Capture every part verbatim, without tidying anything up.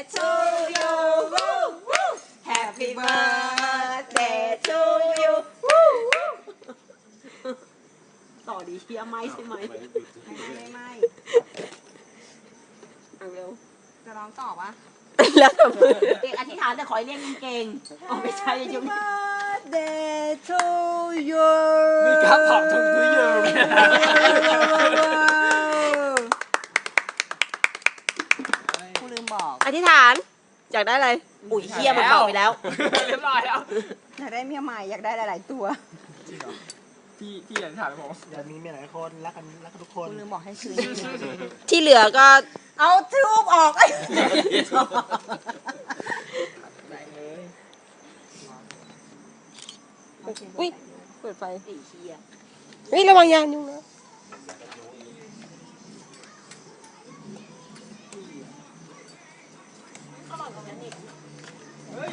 to you Happy birthday to you ต่อดีเชียร์ไหมใช่ไหมไม่ไม่ไม่เอาเร็วจะร้องต่อปะแล้วแต่มือเด็กอธิษฐานแต่ขอให้เรียกเก่งๆอ๋อไม่ใช่ยุ Happy birthday to you มีการถอดถุงทุยเยอะกูลืมบอกอธิษฐานอยากได้อะไรอุ้ยเชี่ยมันบอกไปแล้วเรียบร้อยแล้วอยากได้เมียใหม่อยากได้หลายๆตัวจริงเหรอพี่พี่อยากถามผมอยากมีเมียหลายคนรักกันรักกันทุกคนกูลืมบอกให้คืนที่เหลือก็เอาทูบออกไอ้ได้เลยอุ้ยเปิดไฟไอ้เชี่ยเฮ้ยระวังยางยุงนะเฮ้ย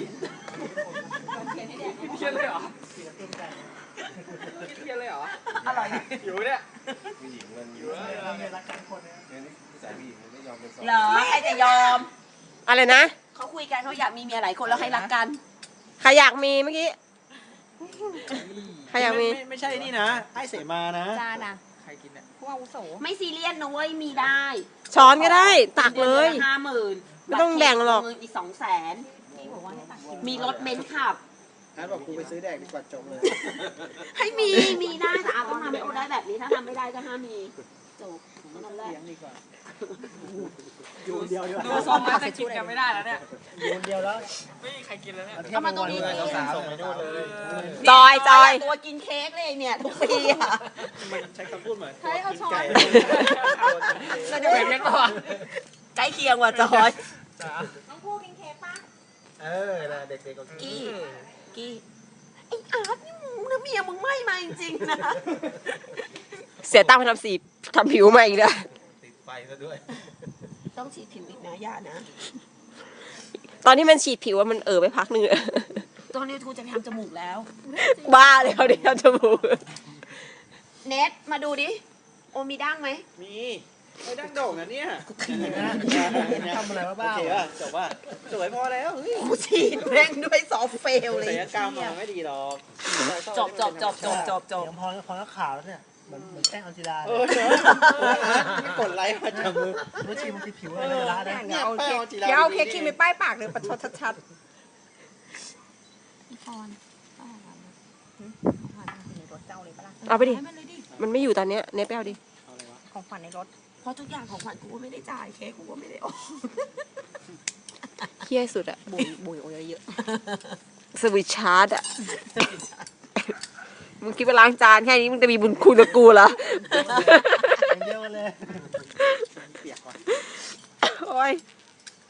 เครียดเลยเหรอเครียดเลยเหรออะไรอยู่เนี่ยผู้หญิงมันอยู่เราเนี่ยรักกันคนเนี่ยนี่สายผู้หญิงมันไม่ยอมเป็นสองเหรอใครจะยอมอะไรนะเขาคุยกันเขาอยากมีเมียหลายคนแล้วให้รักกันใครอยากมีเมื่อกี้ใครอยากมีไม่ไม่ใช่นี่นะไอ้เสมานะจานะใครกินเนี่ยผู้อาวุโสไม่ซีเรียสนะเว้ยมีได้ช้อนก็ได้ตักเลยห้าหมื่นไม่ต้องแบ่งหรอกเงินอีกสองแสนพี่บอกว่าให้ตักกินมีรถเบนซ์ขับอาร์ตบอกกูไปซื้อแดกดีกว่าจบเลยให้มีมีได้แต่อาต้องทำให้โอได้แบบนี้ถ้าทำไม่ได้ก็ห้ามมีจบนั่นแหละเลี้ยงดีกว่าอยู่คนเดียวดีกว่าดูทรงแล้วจะกินกันไม่ได้แล้วเนี่ยอยู่คนเดียวแล้วไม่มีใครกินแล้วเนี่ยเอามาตรงนี้สาวส่งไปนู่นเลยจอยจอยตัวกินเค้กเลยเนี่ยทุกปีอ่ะมันใช้คำพูดเหมือนใช้เอาช้อนไก่เราจะเป็นยังก่อนใกล้เคียงว่ะจอยน้องพูกินเค้กปะเออนะเด็กๆก็กี้กี้ไอ้อาร์ตนี่มึงนะเมียมึงไม่มาจริงๆนะเสียตังค์ไปทำสีทำผิวมาอีกแล้วติดไฟซะด้วยต้องฉีดผิวอีกนะย่านะ ตอนที่มันฉีดผิวว่ามันเออไปพักหนึ่งอะตอนนี้ทูจะไปทำจมูกแล้ว บ้าเลยเขาได้ทำจมูก เน็ตมาดูดิ โอมีดั้งไหมมีไอ้ดั้งโด่งอ่ะเนี่ยทำอะไรวะบ้าโอเคป่ะจบป่ะสวยพอแล้วเฮ้ยกูฉีดแม่งด้วยซอฟต์เฟลเลยศัลยกรรมมาไม่ดีหรอกจบจบจบจบจบจบพอพอแล้วขาวแล้วเนี่ยเหมือนเหมือนแป้งอัลจิลาเออเนอะไม่กดไลค์มาจากมือมือชีมันผิวอะไรนะนะเดี๋ยวเอาเค้กเดี๋ยวเอาเค้กคิมไปป้ายปากเลยประชดชัดพี่พรๆในรถเจ้าเลยปะล่ะเอาไปดิให้มันเลยดิมันไม่อยู่ตอนเนี้ยเน็ตไปเอาดิของขวัญในรถเพราะทุกอย่างของขวัญกูก็ไม่ได้จ่ายเค้กกูก็ไม่ได้ออกเฮี้ยสุดอะบุยบุยโอ้ยเยอะสวิตชาร์ดอะมึงคิดว่าล้างจานแค่นี้มึงจะมีบุญคุณกับกูเหรอ